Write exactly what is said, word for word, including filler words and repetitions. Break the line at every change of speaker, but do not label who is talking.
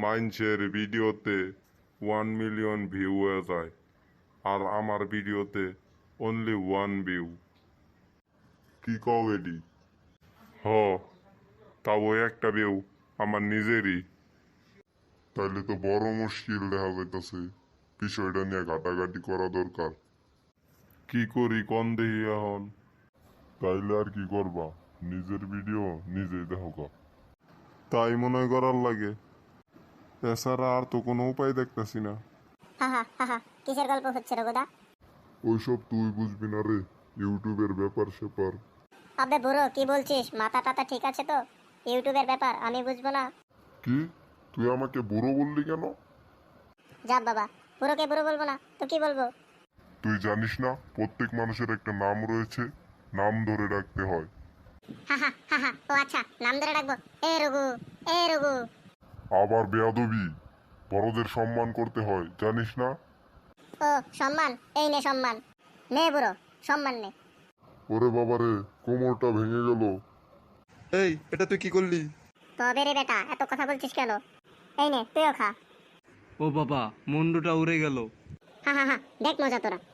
মানুষের ভিডিওতে one million view হয়ে যায় আর আমার ভিডিওতে অনলি ওয়ান ভিউ। কি কও এডি? হ, তাও একটা ভিউ আমার নিজেরই। তাইলে তো বড় মুশকিল দেখা যাইতেছে, বিষয়টা নিয়ে ঘাটাঘাটি করা দরকার। কি করি কোন দেখি এখন? তাইলে আর কি করবা, নিজের ভিডিও নিজেই দেখো। তাই মনে করার লাগে, এছাড়া আর তো কোনো উপায় দেখতেছি না।
হাহা হাহা, কিসের গল্প হচ্ছে রঘুদা?
ওইসব তুই বুঝবি না রে, ইউটিউবের ব্যাপার সেপার।
আবে বুড়ো, কি বলছিস? মাথা টাথা ঠিক আছে তো? ইউটিউবের ব্যাপার আমি বুঝবো না?
কি, তুই আমাকে বুড়ো বললি কেন?
যা বাবা, বুড়োকে বুড়ো বলবো না তো কি বলবো?
তুই জানিস না প্রত্যেক মানুষের একটা নাম রয়েছে, নাম ধরে ডাকতে হয়।
হাহা হাহা, ও আচ্ছা, নাম ধরে ডাকবো? এ রঘু, এ রঘু।
আবার বেয়াদবি, বড়দের সম্মান করতে হয় জানিস না?
ও সম্মান, এই নে সম্মান, নে বুড়ো, সম্মান নে।
ওরে বাবারে, কোমরটা ভেঙে গেল।
এই, এটা তুই কি করলি?
তবে রে বেটা, এত কথা বলছিস কেন? এই নে, তুইও খা।
ও বাবা, মুন্ডুটা উড়ে গেল।
হা হা হা, দেখ মজা তোরা।